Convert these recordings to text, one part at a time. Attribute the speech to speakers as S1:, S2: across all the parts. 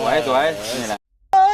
S1: สวยนี่แหละ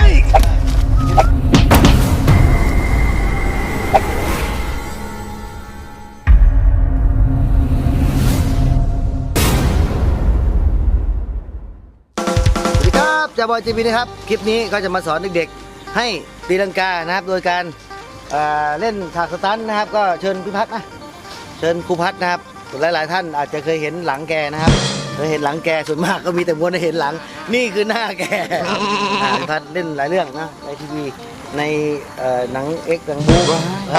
S2: จะบอยจีบีนะครับคลิปนี้ก็จะมาสอนเด็กๆให้ตีลังกานะครับโดยการเล่นฉากสตันนะครับก็เชิญพี่พัฒน์นะเชิญครูพัฒน์นะครับหลายๆท่านอาจจะเคยเห็นหลังแกนะครับเคยเห็นหลังแกส่วนมากก็มีแต่ม้วนให้เห็นหลังนี่คือหน้าแกพี่พัฒน์เล่นหลายเรื่องนะในทีวีในหนังเอ็กซ์หนังบู๊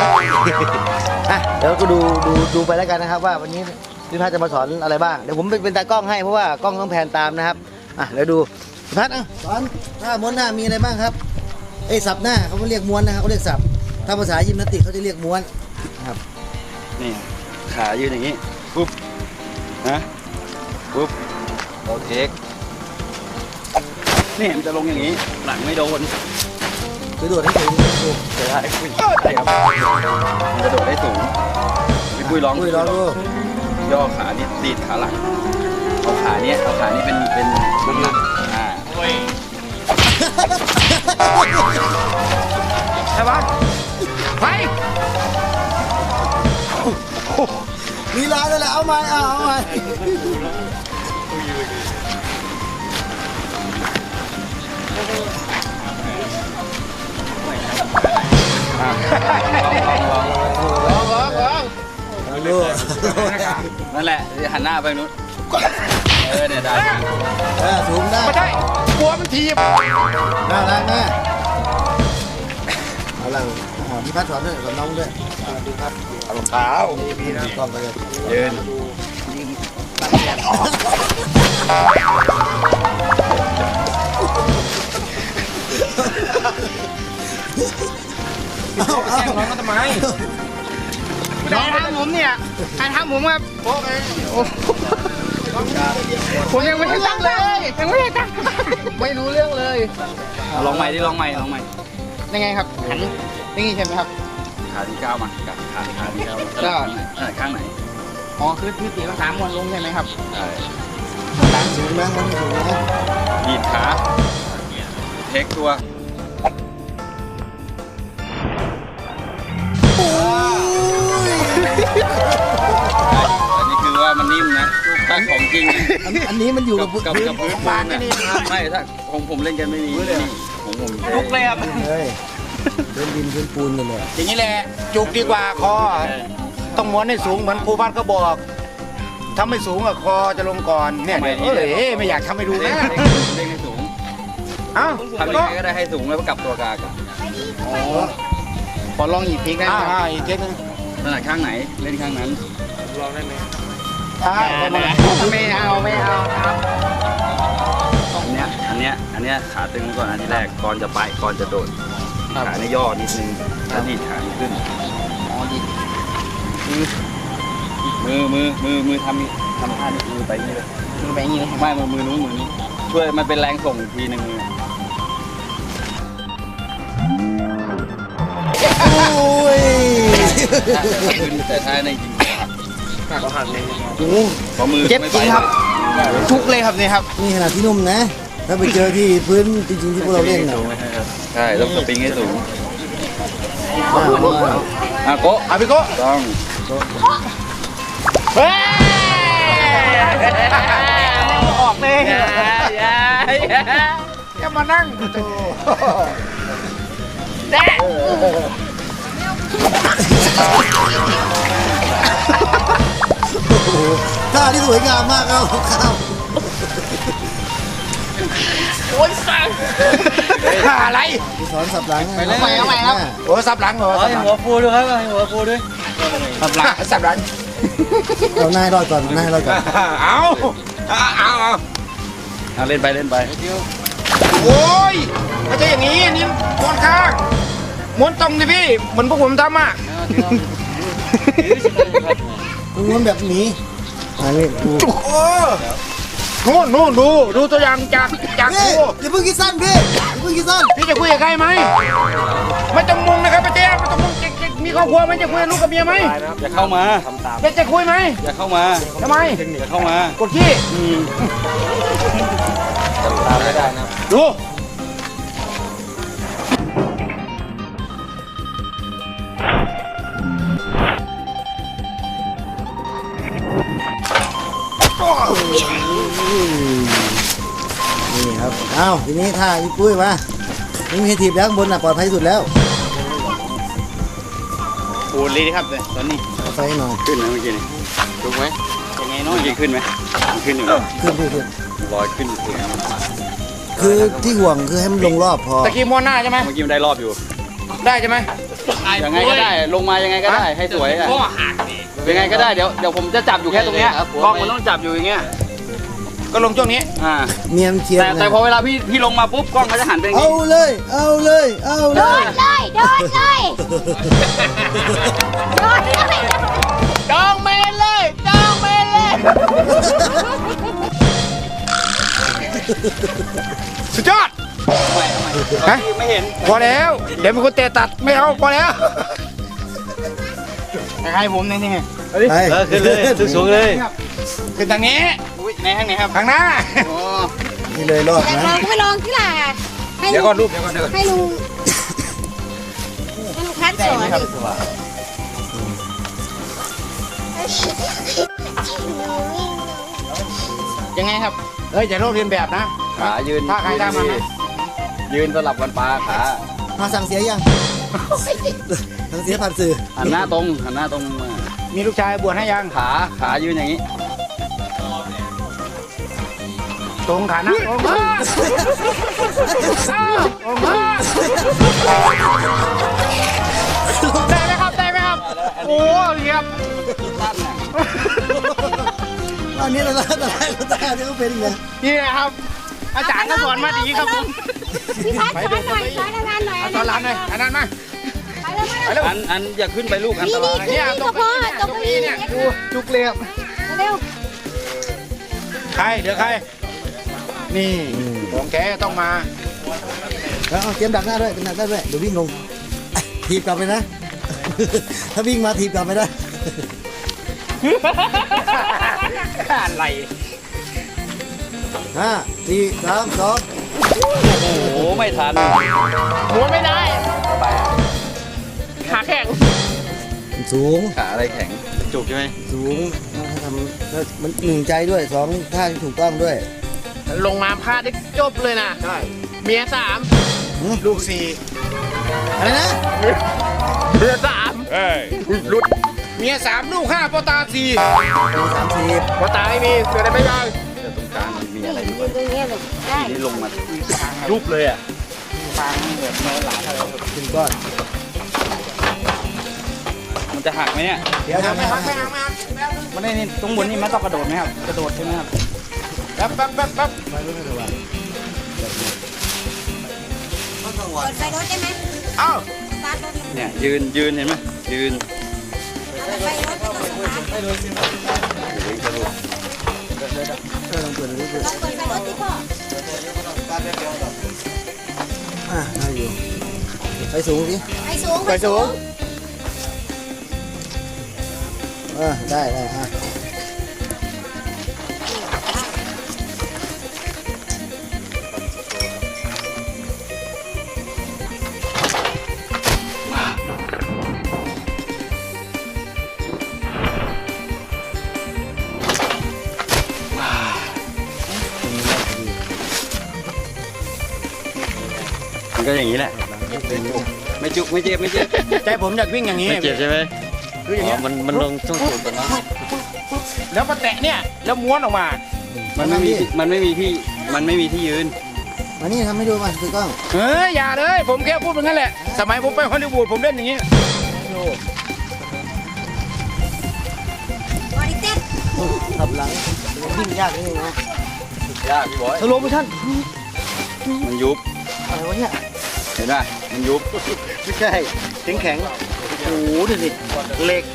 S2: เดี๋ยวก็ดูไปแล้วกันนะครับว่าวันนี้พี่พัฒน์จะมาสอนอะไรบ้างเดี๋ยวผมเป็นตากล้องให้เพราะว่ากล้องต้องแพนตามนะครับเดี๋ยวดูพัดสอนถ้าม้วนหน้ามีอะไรบ้างครับสับหน้าเขาไม่เรียกม้วนนะครับเขาเรียกสับถ้าภาษายิมนาสติกเขาจะเรียกม้วนครับ
S1: นี่ขายืนอย่างนี้ปุ๊บนะปุ๊บโอเคนี่มันจะลงอย่างนี้หลังไม่โดน
S2: กระโดดให้สูง
S1: ได้ครับมันจะโดดได้สูงพี่ปุ้ยร้องดูย่อขานี่ดีดขาหลังเอาขานี้เป็นน้ำหนักใช่ปะไป
S2: มีลายเลยแหละเอาใหม่ลอง
S1: นั่นแหละหันหน้าไปนู้นเนี่ยได้
S2: สูงได้
S3: ไม่ใช่กลัวมันทีบ
S2: น่ารักนะเอาล่ะพี่พัดสอนด้วยสอนน้องด้วยดูครับ
S3: เอารองเท้า
S2: มีนะกล้องไปเลย
S1: ยืน
S3: แกล้งน้องก็ทำไมน้องทำผมเนี่ยใครทำผมครับผมยังไม่ได้ตั้งเลยไม่รู้เรื่องเลย
S1: ลองใหม่
S3: ยังไงครับหันอย่างนี้ใช่ไหมครับ
S1: ขาที่ก้าวมากับขาที่ก้าวก็ข้างไหน
S3: อ๋อคือตีลังกาม้วนลงใช่ไหมครับ
S1: ใช่
S2: สูงนะสูงนะ
S1: ดีดขาเทคตัวอันนี้คือว่ามันนิ่มนะถ้าของจริง
S2: อันนี้มันอยู่กับ
S1: พื้นบางนี่ไม่ถ้าของผมเล่นกันไม่มีของผม
S3: ลุกเลยครับ
S2: พื้นดินพื้นปูนกันเลย
S3: อย่างนี้แหละจุกดีกว่าคอต้องม้วนให้สูงเหมือนครูพัฒน์เขาบอกถ้าไม่สูงอะคอจะลงก่อนเนี่ยไม่อยากทำให้ดูนะ
S1: เล่นให้สูง
S3: ทำ
S1: ยังไงก็ได้ให้สูงแล้วก็กลับตัวกลาง
S3: ขอลองอีกทีนะอีกทีนึง
S1: ถนัดข้างไหนเล่นข้างนั้น
S3: ลองได้ไหมไม่เอาครับ
S1: อันเนี้ยขาตึงก่อนอันที่แรกก่อนจะไปก่อนจะโดดขาในย่อนิดนึงแล้วดีดขาขึ้น
S3: ดี
S1: มือทำท่านี้มือไปนี่เลย
S3: มือไปนี่
S1: ไม่มือนู้นช่วยมันเป็นแรงส่งอีกทีนึงมือแต่ท้ายในจริง
S3: ก็หันเลย
S1: พอมือ
S3: เจ็บจริงครับทุกเลยครับนี่ครับ
S2: นี่ขนาดที่นุ่มนะถ้าไปเจอที่พื้นจริงๆที่พวกเราเล่น
S1: ใช่ต้องสปริงให้สูงโก
S3: พี่โก้
S1: ต้อง
S3: เฮ้ยออกเลยอย่ามานั่งแด่
S2: ท่าที่สวยงามมากครับ
S3: โอ้ยสั่งอะไร
S2: สอนสับหลัง
S3: ไปเลยเอาใหม่ครับโอ้สับหลังเหรอ
S1: หัวฟูด้วยครับหัวฟูด้วย
S3: สับหลัง
S2: เอาหน้ารอดก่อน
S1: เอาเล่นไป
S3: โอ้ยไม่ใช่อย่างนี้นี่ม้วนข้างม้วนตรงดิพี่เหมือนพวกผมทำ
S2: ม้วนแบบนี้
S3: นู่นดูตัวอย่างจากครู
S2: อย่าเพิ่งคิดสั้นพี่
S3: พี่จะคุยกับใครไหมไม่ต้องมุงนะครับพี่เต้ไม่ต้องมุงมีครอบครัวไหมจะคุยกับลูกกับเมียไหม
S1: อย่าเข้ามา
S3: จะคุยไหม
S1: อย่าเข้ามา
S3: ทำไม
S1: อย่าเข้ามาก
S3: ดขี้
S1: ตามไม่ได้นะ
S3: ดู
S2: นี่ครับเอ้าทีนี้ท่าพี่ปุ้ยมานี่มีทีบแล้วข้างบนน่ะปลอดภัยที่สุดแล้ว
S3: ปูนเลยครับเลยตอนนี้
S2: เอาไฟหน่อย
S1: ขึ้นไหมเมื่อกี้นี่ถูกไหมยังไงน้อยขึ้นไหมขึ้นอยู่นะ
S2: ขึ้น
S1: ลอยขึ้นถึง
S2: คือที่ห่วงคือให้มันลงรอบพอ
S3: ตะกี้ม้วนหน้าใช่ไหม
S1: เมื่อกี้มันได้รอบอยู่
S3: ได้ใช่ไหม
S1: ยังไงก็ได้ลงมายังไงก็ได้ให้สวยอ่ะยังไงก็ได้เดี๋ยวผมจะจับอยู่แค่ตรงเนี้ยกล้องมันต้องจับอยู่อย่างเงี้ย
S3: ก็ลงช่วงนี้
S2: เนียนเชียร์
S1: แต่พอเวลาพี่ลงมาปุ๊บกล้องเขาจะหันไปอย่าง
S2: เอา
S1: งี้
S2: เลยเอาเลยเอา
S4: โด
S2: เลย
S4: นเลยโดนเลยโดนเลย
S3: จองเมนเลยจองเมนเลยสุดยอด ฮะ
S1: ไม่เห็น
S3: พอแล้ว เดี๋ยวมีคนเตะตัดไม่เอาพอแล้วให้ผมนี่นี่
S2: ไปขึ้นเลยสูงเลย
S3: ขึ้นทางนี้
S1: อุ้ยในข้างไหนครับ
S3: ทางหน้า
S1: โอ้
S2: นี่เลยรอด
S4: แต่
S2: นะ
S4: ลองก็ไปลองที่ล่ะให้
S3: เดี๋ยว
S4: ลุ
S3: ก่อน
S4: ง
S3: รูปเดี๋ยวก่อนเดี๋ยวก่อน
S4: ให้ลุงพัดสอนดิ
S3: ยังไงครับเอ้ยอย่าโลกเรียนแบบนะ
S1: ขายืน
S3: ท่าใครท่ามันนะ
S1: ยืนสลับกันปลาขา
S2: มาสั่งเสียยังสั่งเสียผ่านสื่อ
S1: หันหน้าตรงหันหน้าตรงมา
S3: มีลูกชายบวชให้ยัง
S1: ขายืนอย่างนี้
S3: ตรงขาหน้าตรงได้ไหมครับได้ไหมครับโอ้เยี่ยม
S2: อันนี้เราได้ที่เขาเป็นไง
S3: นี่นะครับอาจารย์ก็สอนมาดีครับผม
S4: พี่พัดสอนหน่อยสอนนานๆหน่อย
S3: เอาสอนหลานหน่อยอันนั้นมา
S4: ไปเร็ว
S1: อันอย่าขึ้นไปลูกอันตราย
S3: เนี่ยต
S4: ต
S3: ร
S4: ก
S3: ง
S4: พ่อ
S3: นี้
S4: ตกนี้เนี่ย
S3: ดูจุกเรียบ
S4: เร็ว
S3: ใครเดี๋ยวใครนี่ของแกต้องมา
S2: แล้วเอาเตรียมดักหน้าด้วยเป็นดักหน้าด้วยเดี๋ยววิ่งลงถีบกลับไปนะ ถ้าวิ่งมาถีบกลับไปได้
S3: อะไร
S2: 5 4 3 2
S1: โอ้โหไม่ทัน
S3: ม้วนไม่ได้ขาแข็ง
S2: สูง
S1: ขาอะไรแข็งจุกใช่ไหม
S2: สูงถ้าทำแล้วมันหนึ่งใจด้วยสองท่าที่ถูกต้องด้วย
S3: ลงมาพลาดได้จบเลยนะใช่เมีย3ลูก4
S2: อะไรนะ
S3: เมีย3รุดเมีย3ลูก5ปอตา4
S2: ปี30
S3: ปอตาไม่มีเกิดอะไรไม่ได้
S1: แต่ตรงกลางมันมี
S4: ๆ
S1: อะไรอยู่
S4: ยืนตรงนี้เลยได้
S1: ทีนี้ลงมายุบเลยอ่ะ
S2: ขึ้นก้อน
S1: มันจะหักไหมเนี่ย
S2: เดี๋ยวทำให้
S1: มันได้นี่ตรงบนนี่มันต้องกระโดดไหมครับกระโดดใช่ไหมครับ
S3: แป๊บ
S4: เปิดไฟรถได้ไหม
S3: เอ้า
S4: สตาร์ทรถ
S1: เนี่ยยืนเห็นไหมยืน
S4: เปิดไฟรถไม่ต้องสตาร์ท
S2: ลองเปิดดูดิ
S4: ลองเปิดไฟรถดิพ่อ
S2: ได้อยู่ไปสูงสิ
S4: ไฟสูง
S3: ไปสูง
S2: ได้
S1: มันก็อย่างนี้แหละไม่จุกไม่เจ็บไม่เจ็บ
S3: ใจผมอยากวิ่งอย่างนี้
S1: ไม่เจ็บใช่ไหม
S3: คืออย่างเงี้ย
S1: มันลงช่วงสูงกันนะ
S3: แล้วมาแตะเนี่ยแล้วม้วนออกมา
S1: มันไม่มีที่ยืน
S2: มานี่ทำให้ดูมาคือกล้อง
S3: เฮ้ยอย่าเลย ผมแค่พูดเป็นงั้นแหละ สมัยผมไปฮอลลีวูดผมเล่นอย่างนี้
S4: บอดี้เต้น
S2: ขับหลังวิ่งยากนิดนึงนะ
S1: ยากพี่บอย
S2: สโลโมชั่น
S1: มันยุบ
S2: อะไรวะเนี่ย
S1: เห็นไหมมันยุบ
S2: ไม่ใช่แข็งโอ้โหดูสิเหล็ก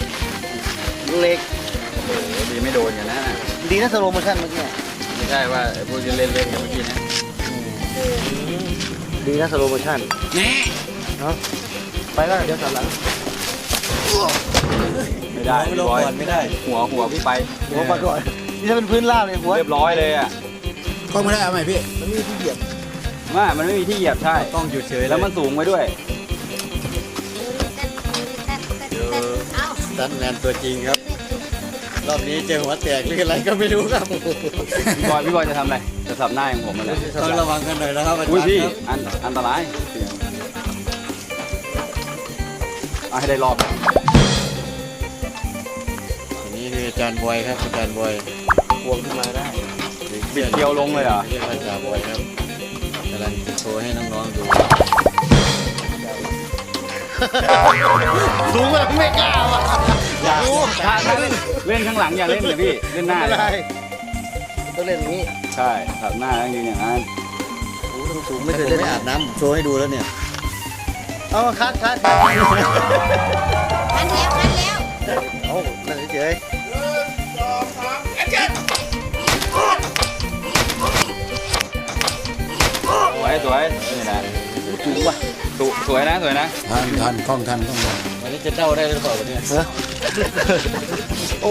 S1: ดีไม่โดนอย่างนั้น
S2: ดีนะสโลโมชั่นเมื่อกี้
S1: ไม่ใช่ว่าพวกจะเล่นอย่างเมื่อกี้นะ
S2: ดีนะสโลโมชั่น
S3: แน่
S2: เนาะไปก็เดี๋ยวขับหลัง
S1: ไม่ได้พี่บอยไม่ได้หัวพี่ไป
S2: หัวปลาก่อนนี่ถ้าเป็นพื้นราบเลยหัว
S1: เรียบร้อยเลยอ่ะ
S3: ก็ไม่ได้เอาใหม่พี่
S2: มันมีที่เหยียบ
S1: ว่ามันไม่มีที่เหยียบใช่
S5: ต้องหยุดเฉย
S1: แล้วมันสูงไว้ด้วย
S4: เอา
S5: สตันแมนตัวจริงครับ รอบนี้เจอหัวแตกหรืออะไรก็ไม่รู้ครับ
S1: พี่บอยจะทำอะไรจะสับหน้าของผมมันแหละ
S5: ต้องระวังกันหน่อยนะครับอา
S1: อุ้ย
S5: จารย์
S1: พี่
S5: ครับ
S1: อันตรายเสี่ยงเอาให้ได้รอบ
S5: อันนี้คืออาจารย์บอยครับอาจารย์บอย
S2: พวงขึ้นมาได้
S1: บิดเกลียวลงเลยเหรอ
S5: เรียกว่าอาจารย์บอยครับกำลังจะโชว์ให้น้องๆดู
S2: สูงแบบไม่กล้าว่ะ
S1: ถ้าเล่นข้างหลังอย่าเล่นเลยพี่เล่นหน้า
S2: ไม่
S1: เล
S2: เป็นไร
S1: ย
S2: ต้องเล่นอย่างนี้
S1: ใช่สับหน้าแล้วยืนอย่างนั้น
S2: โอ้ต้องสูง
S5: ไม่
S2: ไม่
S5: เค
S2: เค
S5: ย
S2: ย
S5: เล่
S2: เล่
S5: น
S2: น
S5: อาบน้ำโชว์ให้ดูแล้วเนี่ย
S2: เอาคัด
S4: คันแล้ว
S2: เอานั่นเฉย
S1: สวยนี่นะสูงว่ะสวยนะ
S3: ทันกล้องทัน
S5: วันนี้จะเด้าได้หรือเปล่าวันนี้
S2: โอ้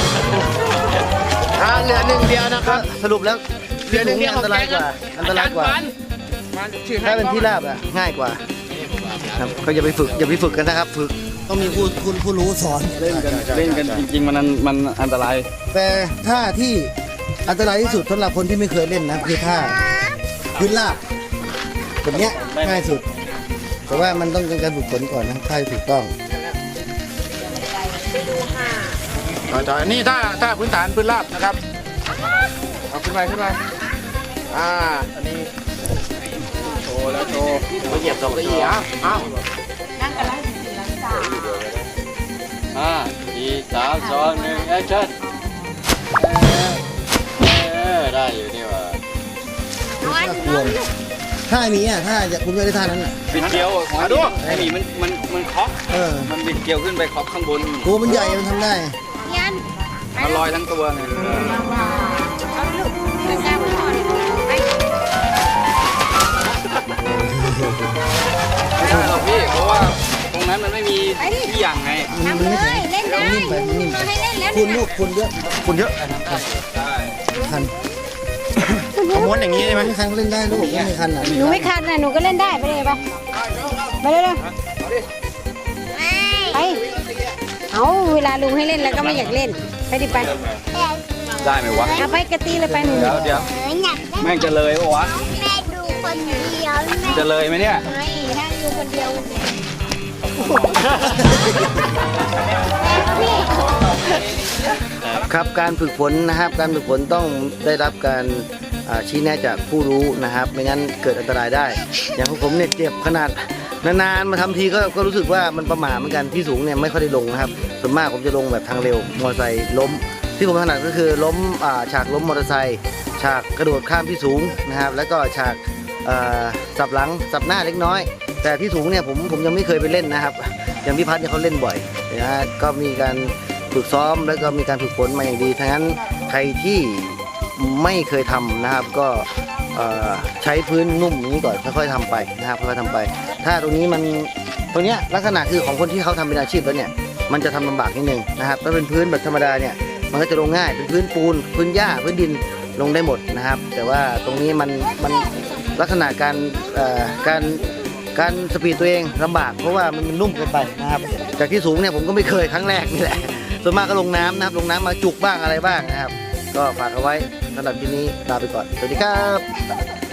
S2: เหลือหนึ่งเดียวนะครับสรุปแล้วเหลือหนึ่งเดียวอันตรายกว่าถ้าเป็นที่ราบอะง่ายกว่าครับก็อย่าไปฝึกกันนะครับ ฝึกต้องมีผู้รู้สอน
S1: เล่นกันจริงๆมันอันตราย
S2: แต่ท่าที่อันตรายที่สุดสำหรับคนที่ไม่เคยเล่นนะคือท่าพื้นราบแบบเนี้ยง่ายสุด แต่ว่ามันต้องการฝึกฝนก่อนนะท่าที่ถูกต้อง
S3: ต่อนี่ถ้าพื้นฐานพื้นราบนะครับเอาขึ้นไปอันนี้โชว์แล้วโชว์เหยียบ2 4เอา
S5: 5 4 3 2 1แอคชั่นได้อยู่นี่ว่า
S2: ท่านี้อ่ะท่าจะคุณไม่ได้ท่านั้นอ่ะ
S1: บิดเกลียวไอ้หมีมันเคาะ มันบิดเกลียวขึ้นไปเคาะข้างบน
S2: ตัวมันใหญ่มันทำได้
S4: ยัน
S1: มันลอยทั้งตัวไง
S4: เอาลูกมันกล้าไปก่อนไป
S1: ไม่ได้หรอกพี่เพราะว่าตรงนั้นมันไม่มีที่อย่างไง
S4: ทำเลยเล่นได้
S2: มันนิ่มไปมันนิ่มไป
S4: มาให้เล่นแล้ว
S2: คุณลูกคุณเยอะ
S1: ใช่
S2: คัน
S3: เอาม้วนอย่างนี้ใช่ไหม
S2: ไม่คันก็เล่นได้ลูกไม่มีคันอ่ะ
S4: หนูไม่คันนะหนูก็เล่นได้ไปเลยไปเร็วไปเอาเวลาลุงให้เล่นแล้วก็ไม่อยากเล่นไปดิไป
S1: ได้ไหมวะ
S4: เอาไปกระตีเลยไปหนู
S1: เดี๋ยวแม่งจะเลยปะวะ
S4: แม่ดูคนเดียวแม่
S1: จะเลยไหมเนี่ย
S4: ไม่ถ้าดูคนเดียว
S2: ครับการฝึกฝนนะครับ การฝึกฝนต้องได้รับการชี้แนะจากผู้รู้นะครับ ไม่งั้นเกิดอันตรายได้ อย่างของผมเนี่ยเจ็บขนาดนานๆมาทำทีก็รู้สึกว่ามันประหม่าเหมือนกันที่สูงเนี่ยไม่ค่อยได้ลงนะครับส่วนมากผมจะลงแบบทางเร็วมอเตอร์ไซค์ล้ม ที่ผมถนัดก็คือล้มฉากล้มมอเตอร์ไซค์ฉากกระโดดข้ามที่สูงนะครับ แล้วก็ฉากสับหลังสับหน้าเล็กน้อย แต่ที่สูงเนี่ยผมยังไม่เคยไปเล่นนะครับ อย่างพี่พัฒน์เนี่ยเขาเล่นบ่อยนะฮะก็มีการฝึกซ้อมแล้วก็มีการฝึกฝนมาอย่างดีทั้งนั้นใครที่ไม่เคยทำนะครับก็ใช้พื้นนุ่มอย่างนี้ก่อนค่อยๆทำไปนะครับค่อยๆทำไป ถ้าตรงนี้มันตรงเนี้ยลักษณะคือของคนที่เขาทำเป็นอาชีพแล้วเนี่ยมันจะทำลำบากนิดนึงนะครับถ้าเป็นพื้นแบบธรรมดาเนี่ยมันก็จะลงง่ายเป็นพื้นปูนพื้นหญ้าพื้นดินลงได้หมดนะครับ แต่ว่าตรงนี้มันลักษณะการสปีดตัวเองลำบากเพราะว่ามันนุ่มเกินไปนะครับจากที่สูงเนี่ยผมก็ไม่เคยครั้งแรกนี่แหละส่วนมากก็ลงน้ำนะครับลงน้ำมาจุกบ้างอะไรบ้างนะครับ ก็ฝากเอาไว้สำหรับที่นี้ลาไปก่อนสวัสดีครับ